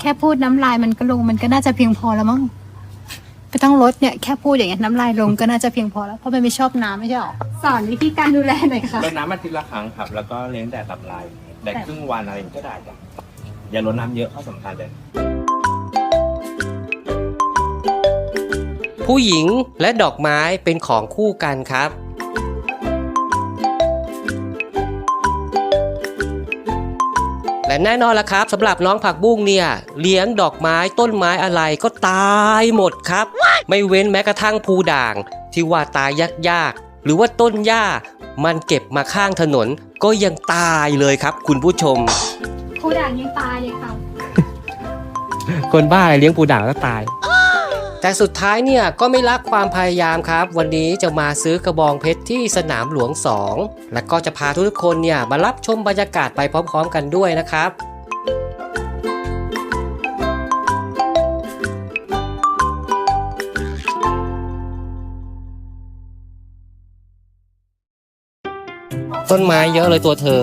แค่พูดน้ำลายมันก็ลงมันก็น่าจะเพียงพอแล้วมั้งไม่ต้องลดเนี่ยแค่พูดอย่างเงี้ยน้ำลายลงก็น่าจะเพียงพอแล้วเพราะมันไม่ชอบน้ำไม่ใช่หรอสอนวิธีการดูแลหน่อยค่ะรดน้ำอาทิตย์ละครั้งครับแล้วก็เลี้ยงแต่ตับลายแต่ครึ่งวันอะไรก็ได้จ้ะอย่าลดน้ำเยอะข้อสำคัญเลยผู้หญิงและดอกไม้เป็นของคู่กันครับและแน่นอนละครับสำหรับน้องผักบุ้งเนี่ยเลี้ยงดอกไม้ต้นไม้อะไรก็ตายหมดครับไม่เว้นแม้กระทั่งภูด่างที่ว่าตายยากๆหรือว่าต้นหญ้ามันเก็บมาข้างถนนก็ยังตายเลยครับคุณผู้ชมภูด่างยังตายเลยค่ะคนบ้าอะไรเลี้ยงภูด่างก็ตายแต่สุดท้ายเนี่ยก็ไม่ละความพยายามครับวันนี้จะมาซื้อกระบองเพชรที่สนามหลวง2และก็จะพาทุกคนเนี่ยมารับชมบรรยากาศไปพร้อมๆกันด้วยนะครับต้นไม้เยอะเลยตัวเธอ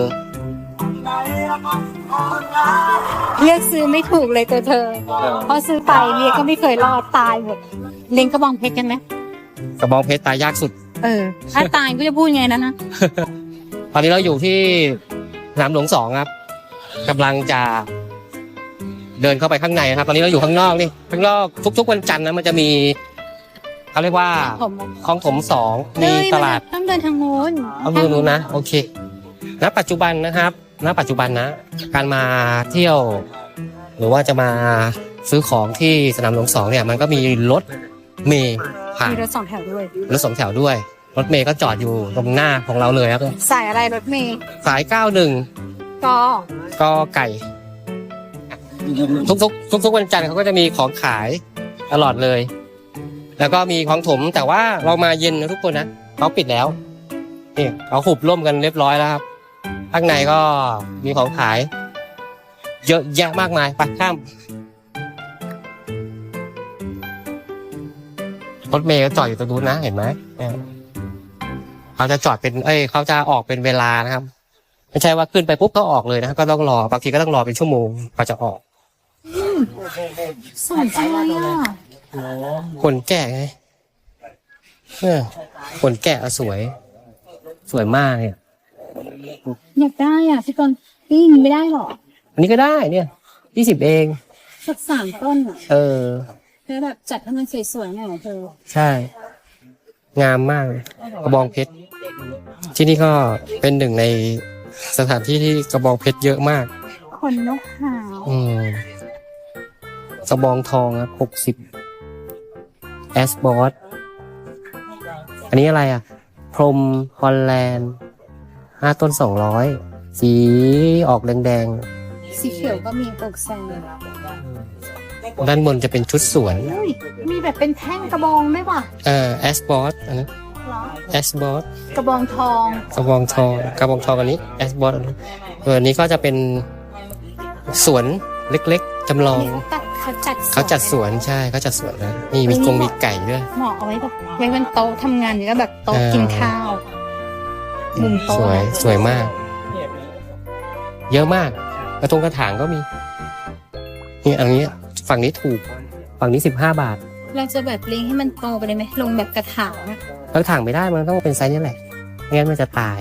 เลือกซื้อไม่ถูกเลยตัวเธอเพราะซื้อไปเรียก็ไม่เคยรอดตายหมดเล็งกระบองเพชรกันไหมกระบองเพชรตายยากสุดถ้าตายก็จะพูดไงนะตอนนี้เราอยู่ที่สนามหลวง2ครับกำลังจะเดินเข้าไปข้างในครับตอนนี้เราอยู่ข้างนอกนี่ข้างนอกทุกๆวันจันทร์นะมันจะมีเขาเรียกว่าคลองถม2มีตลาดต้องเดินทางโน้นเอาดูนู้นนะโอเคณปัจจุบันนะครับณปัจจุบันนะการมาเที่ยวหรือว่าจะมาซื้อของที่สนามหลวง2เนี่ยมันก็มีรถเมล์ผ่านมีรถ2 แถวด้วยรถ2 แถวด้วยรถเมล์ก็จอดอยู่ตรงหน้าของเราเลยครับสายอะไรรถเมล์สาย91กไก่ทุกวันจันทร์เขาก็จะมีของขายตลอดเลยแล้วก็มีของถมแต่ว่าเรามาเย็นนะทุกคนนะเขาปิดแล้วนี่เขาหุบร่มกันเรียบร้อยแล้วครับข้างในก็มีของขายเยอะแยะมากมายไปข้ามรถเมล์ก็จอดอยู่ตรงนู้นนะเห็นไหมเขาจะจอดเป็นเขาจะออกเป็นเวลานะครับไม่ใช่ว่าขึ้นไปปุ๊บก็ออกเลยนะก็ต้องรอบางทีก็ต้องรอเป็นชั่วโมงกว่าจะออกสนใจอ่ะคนแก่ไงคนแก่สวยมากเนี่ยอยากได้อ่ะพี่กรณ์ปิ้งไม่ได้หรออันนี้ก็ได้เนี่ย20เองสัก3 ต้นอ่ะเธอแบบจัดให้มันสวยๆหน่อยเธอใช่งามมากกระบองเพชรที่นี่ก็เป็นหนึ่งในสถานที่ที่กระบองเพชรเยอะมากขนนกเขากระบองทองครับ60แอสบอสอันนี้อะไรอ่ะพรมฮอลแลนด์5 ต้น200สีออกแดงๆสีเขียวก็มีปกแซงด้านบนจะเป็นชุดสวนมีแบบเป็นแท่งกระบองไหมวะแอสบอสอันนี้แอสบอสกระบองทองอันนี้แอสบอสอันนี้ก็จะเป็นสวนเล็กๆจำลองเขาจัดสวนใช่เขาจัดสวนนะนี่มีไก่ด้วยเหมาะเอาไว้แบบไว้บนโต๊ะทำงานแล้วแบบโต๊ะกินข้าวมุมโต๊ะสวยมากเยอะมากกระทงกระถางก็มีนี่อันนี้ฝั่งนี้ถูกฝั่งนี้15 บาทเราจะแบบเลี้ยงให้มันโตไปเลยไหมลงแบบกระถางไม่ได้มันต้องเป็นไซส์นี้แหละไม่งั้นมันจะตาย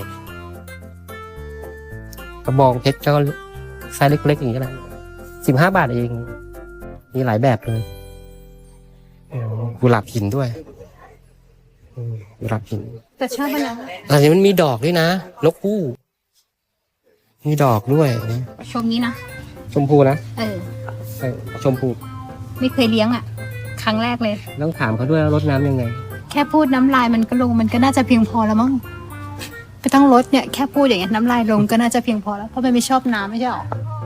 กระบองเพชรก็ไซส์เล็กๆอย่างนี้แหละ15 บาทเองมีหลายแบบเลยกุหลาบหินด้วยกุหลาบหินแต่ชอบมันนะอันนี้มันมีดอกด้วยนะนกฮูกมีดอกด้วยชมนี้นะชมพูนะชมพูไม่เคยเลี้ยงอ่ะครั้งแรกเลยต้องถามเขาด้วยรดน้ำยังไงแค่พูดน้ำลายมันก็ลงมันก็น่าจะเพียงพอแล้วมั้งไม่ต้องลดเนี่ยแค่พูดอย่างเงี้ยน้ำลายลงก็น่าจะเพียงพอแล้วเพราะมันไม่ชอบน้ำไม่ใช่หรอ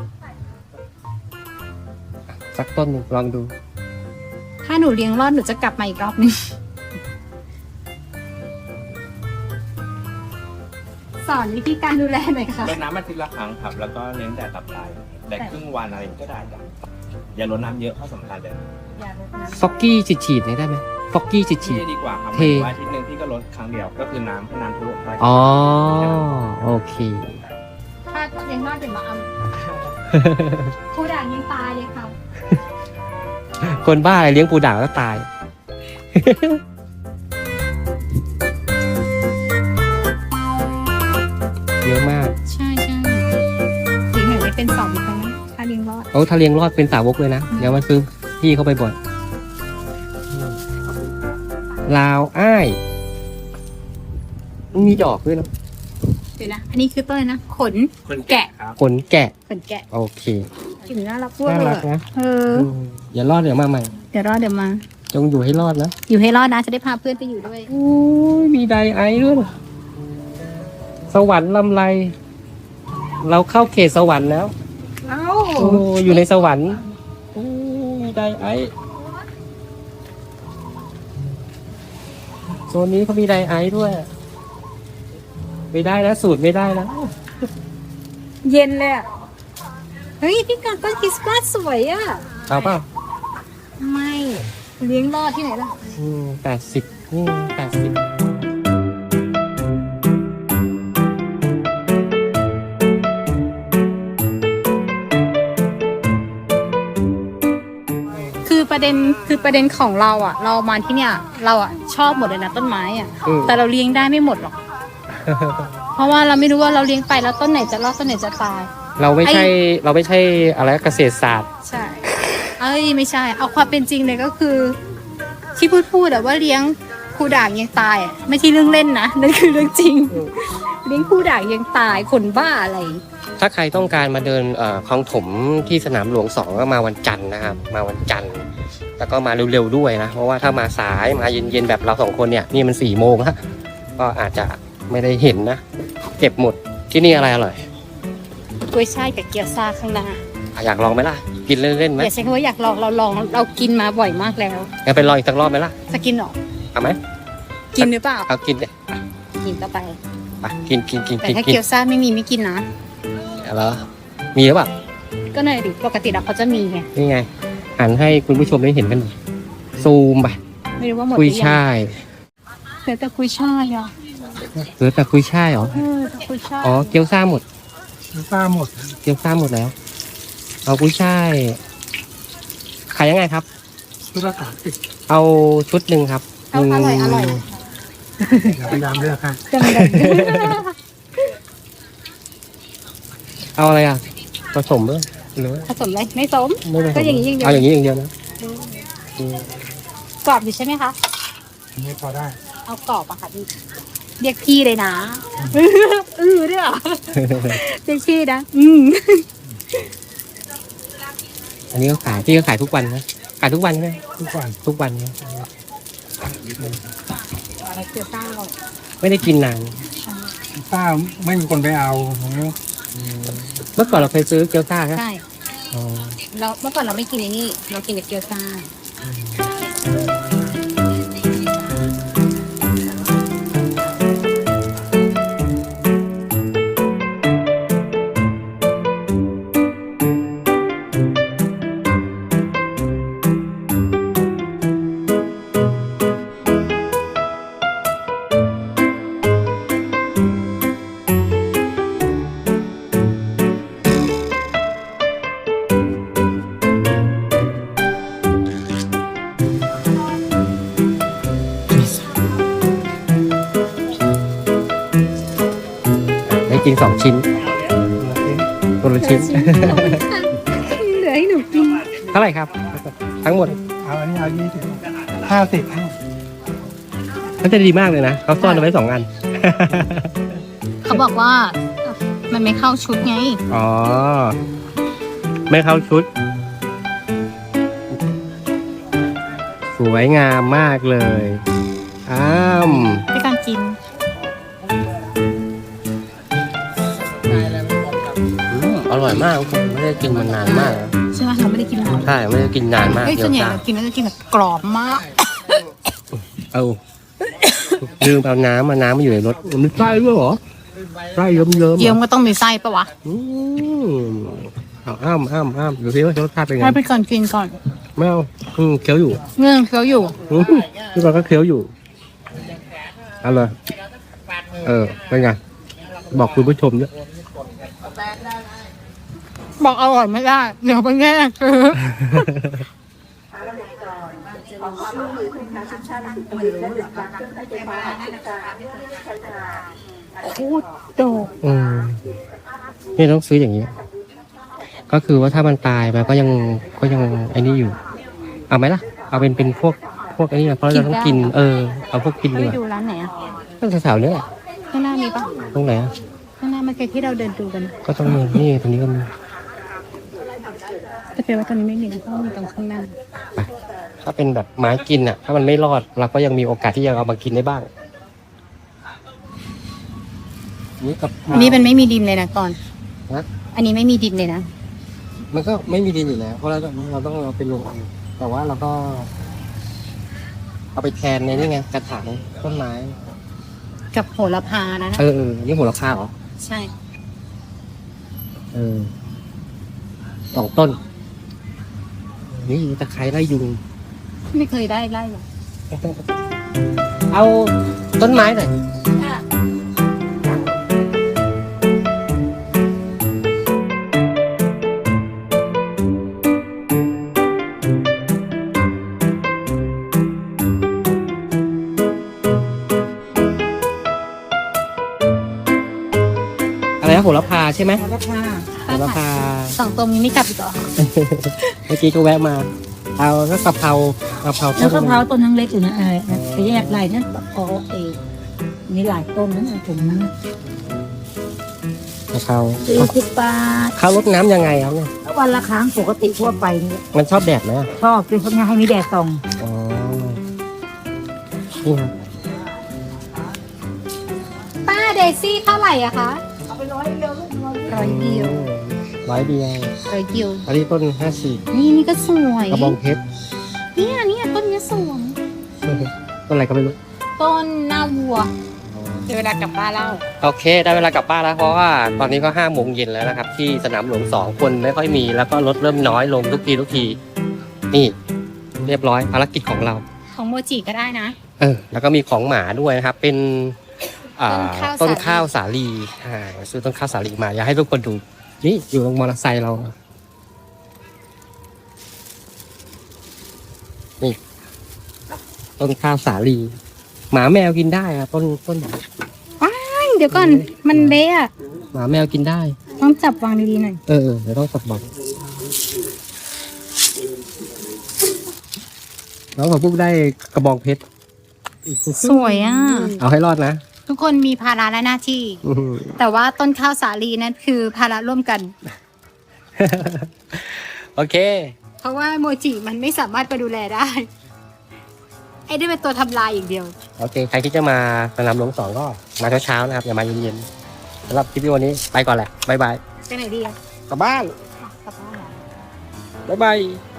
สักต้นลองดูถ้าหนูเลี้ยงรอดหนูจะกลับมาอีกรอบนึงสอนวิธีการดูแลหน่อยค่ะรดน้ำอาทิตย์ละครั้งครับแล้วก็เลี้ยงแต่ตับลายแต่ครึ่งวันอะไรก็ได้จ้ะอย่าลดน้ำเยอะข้อสำคัญเลยฟอกกี้ฉีดๆได้ไหมฟอกกี้ฉีดดีกว่าครับอาทิตย์นึงพี่ก็ลดครั้งเดียวก็คือน้ำทุกไปอ๋อโอเคถ้าเลี้ยงรอดเดี๋ยวมาเอาผู้ด่างยังตายเลยค่ะคนบ้าอะไรเลี้ยงปูด่างแล้วตาย เยอะมากใช่ใช่ถึงเห็นได้เป็น2ไปนะถ้าเลี้ยงรอดโอ้ถ้าเลี้ยงรอดเป็นสาวกเลยนะ เดี๋ยวมาซื้อพี่เข้าไปบ่อยลาวอ้ายมีดอกด้วยนะเดี๋ยวนะอันนี้คือต้นอะไรนะขนคนแกะครับขนแกะขนแกะโอเคกลิ่นน่ารักด้วยน่าเลยรักอะนะเอออย่ารอดเดี๋ยวมาใหม่เดี๋ยวรอดเดี๋ยวมาจงอยู่ให้รอดนะอยู่ให้รอดนะจะได้พาเพื่อนไปอยู่ด้วยโอ้ยมีไดไอซ์ด้วยนะสวรรค์ลำไร เราเข้าเขตสวรรค์แล้วเอ้าโอ้อยู่ในสวรรค์โอ้มีไดไอซ์โซนนี้เขามีไดไอซ์ด้วย ไม่ได้นะสูตรไม่ได้นะเย็นเลยอะเฮ้ยพี่การต้นคริสต์มาสสวยอ่ะเอาเปล่าไม่เลี้ยงรอดที่ไหนล่ะ 80นี่80 คือประเด็นของเราอ่ะ เรามาที่เนี่ย เราอ่ะชอบหมดเลยนะต้นไม้อ่ะ แต่เราเลี้ยงได้ไม่หมดหรอก เพราะว่าเราไม่รู้ว่าเราเลี้ยงไปแล้วต้นไหนจะรอดต้นไหนจะตายเราไม่ใช่อะไรเกษตรศาสตร์ใช่ เอ้ยไม่ใช่ เอาความเป็นจริงเลยก็คือ ที่พูดอะว่าเลี้ยงคูด่างยังตายอะไม่ใช่เรื่องเล่นนะนั่นคือเรื่องจริง เลี้ยงคูด่างยังตายคนบ้าอะไรถ้าใครต้องการมาเดินคลองถมที่สนามหลวง 2 ก็มาวันจันทร์นะครับ มาวันจันทร์แล้วก็มาเร็วๆด้วยนะ เพราะว่าถ้ามาสายมาเย็นๆแบบเรา2 คนเนี่ยนี่มัน4 โมงแล้วก็อาจจะไม่ได้เห็นนะ เก็บหมดที่นี่อะไรอร่อยกล้วยช่ายกับเกี๊ยวซ่าข้างหน้าอยากลองไหมล่ะ กินเล่นๆไหมอย่าใช้คำว่าอยากลองเราลองเรากินมาบ่อยมากแล้วงั้นไปลองอีกสักรอบไหมล่ะจะกินหรอเอาไหมกินหรือเปล่าเอากินเลยกินต่อไปไปกินแต่ถ้าเกี๊ยวซ่าไม่มีไม่กินนะเหรอมีหรือเปล่าก็หน่อยดิปกติแล้วเขาจะมีไงนี่ไงหันให้คุณผู้ชมได้เห็นกันหน่อยซูมไปไม่รู้ว่าหมดหกุรืยอยังช่ายเหลือแต่กุยช่ายอ่ะเหลือแต่กุยช่ายเหรอแต่กุยช่ายอ๋อเกี๊ยวซ่าหมดซ่าหมดเกี๊ยวซ่าหมดแล้ว เอากุยช่ายขายยังไงครับชุดละ30 เอาชุดหนึ่งครับเอาอร่อยอร่อยพยายามเลือกให้จังเลยเอาอะไรอ่ะผสมด้วยหรือว่าผสมเลยไม่สมไม่ผสมก็อย่างนี้อย่างเดียวเอาอย่างนี้อย่างเดียวนะอืมกรอบอยู่ใช่ไหมคะไม่พอได้เอากรอบอะค่ะพี่เรียกพี่เลยนะด้วยเหรอเรียกพี่นะอันนี้ก็ขายพี่ก็ขายทุกวันนะขายทุกวันใช่ไหมทุกวันทุกวันนะเกี๊ยวซ่าอร่อยไม่ได้กินนานซ่าไม่มีคนไปเอาเมื่อก่อนเราเคยซื้อเกี๊ยวซ่าใช่ไหมใช่อ๋อเราเมื่อก่อนเราไม่กินไอ้นี่เรากินแต่เกี๊ยวซ่าได้กิน2 ชิ้นคนละชิ้นเหลือให้หนูกินเท่าไหร่ครับ ทั้งหมดเอาอันนี้เอา50 มันจะดีมากเลยนะเขาซ่อนเอาไว้2 อันเขาบอกว่ามันไม่เข้าชุดไงอ๋อ ไม่เข้าชุด สวยงามมากเลยด้วยการกินอร่อยมากผมไม่ได้กินมานานมากแล้วใช่ไหมเราไม่ได้กินนานใช่ไม่ได้กินนานมากเฮ้ยเดี๋ส่ยววนใหญ่จ้าเรากินแล้วจะกินแบบกรอบมากเอาลืมเอาน้ำมาน้ำมาอยู่ในรถมันไส้ด้วยเหรอไส้เยิ้มๆเยี่ยมก็ต้องมีไส้ปะวะเอาอ้ามดูซิว่ารสชาติเป็นไงให้ไปก่อนกินก่อนไม่เอาเคี้ยวอยู่เงื่อนเขาอยู่พี่บอลก็เคี้ยวอยู่เอาเลยเป็นไงบอกคุณผู้ชมด้วยบอกอร่อยไม่ได้ เดี๋ยวไปแง่คือโคตรโดกนี่ต้องซื้ออย่างนี้ ก็คือว่าถ้ามันตายมันก็ยังไอ้นี่อยู่ เอาไหมล่ะ เอาเป็นพวกไอ้นี่นะเพราะเราต้องกิน เอาพวกกินไปเนื้อดูร้านไหนอ่ะต้องแถวๆเนี้ยข้างหน้ามีปะตรงไหนอ่ะข้างหน้าเมื่อกี้ที่เราเดินดูกันก็ต้องมีนี่ตรงนี้ก็มีแต่เป็นว่าตอนนี้ไม่มีนะเพราะว่ามีตรงข้างหน้าถ้าเป็นแบบไม้กินอ่ะ ถ้ามันไม่รอดเราก็ยังมีโอกาสที่จะเอามากินได้บ้าง นี่กับอันนี้มันไม่มีดินเลยนะก่อนฮะอันนี้ไม่มีดินเลยนะมันก็ไม่มีดินอยู่แล้ว เพราะเราต้องเอาไปลงแต่ว่าเราก็ เอาไปแทนในนี่ไงกระถางต้นไม้กับโหระพานะนี่โหระพาเหรอใช่ 2 ต้น นี่ตะไคร้ไล่ยุงไม่เคยได้ไล่หรอกเอาต้นไม้หน่อยอะไรนะโหระพาใช่ไหมโหระพาโหระพา 2 ตัวนี้ไม่กลับอีกเหรอเมื่อกี้ก็แวะมา เอาก็กะเพราแล้วกะเพราต้นทั้งเล็กอยู่นะไปแยกลายนั่นพอมีหลายต้นนั้นผมนั้นกะเพรา 40 บาทเขารดน้ำยังไงครับเนี่ยวันละครั้งปกติทั่วไปนี่มันชอบแดดไหมอะชอบคือเขาเนี่ยให้มีแดดส่องอ๋อ นี่ครับป้าเดซี่เท่าไหร่อะคะร้อยเดียวร้อยเดียวร้อยเดียวอันนี้ต้น54 นี่ก็สวยกระบองเพชรเนี่ยต้นนี้สวยต้นอะไรก็ไม่รู้ต้นหน้าวัวเดี๋ยวเวลากลับบ้านเล่าโอเค ได้เวลากลับบ้านแล้วเพราะว่าตอนนี้ก็5 โมงเย็นแล้วนะครับ ที่สนามหลวง2 คนไม่ค่อยมีแล้วก็รถเริ่มน้อยลงทุกที นี่ เรียบร้อยภารกิจของเราของโมจิก็ได้นะแล้วก็มีของหมาด้วยนะครับ เป็นต้ต้นนข้าข้าว วสาลีซื้อต้นข้าวสาลีมาอยากให้ทุกคนดู นี่อยู่ตรงมอเตอร์ไซค์เรา นี่ ต้นข้าวสาลี หมาแมวกินได้ครับต้นเดี๋ยวก่อนมันเละอะหมาแมวกินได้ต้องจับวางดีๆหน่อยเดี๋ยวต้องสับบอกน้องขอพูดได้กระบองเพชรสวยอ่ะเอาให้รอดนะทุกคนมีภาระและหน้าที่ แต่ว่าต้นข้าวสาลีนั่นคือภาระร่วมกันโอเคเพราะว่าโมจิมันไม่สามารถไปดูแลได้ ไอ้ได้เป็นตัวทำลายอย่างเดียวโอเค ใครที่จะมาสนามหลวง2 ก็มาเช้าๆนะครับ อย่ามาเย็นๆสำหรับคลิปวิดีโอนี้ไปก่อนแหละ บ๊ายบายไปไหนดีอะกลับบ้านกลับบ้านเหรอบ๊ายบาย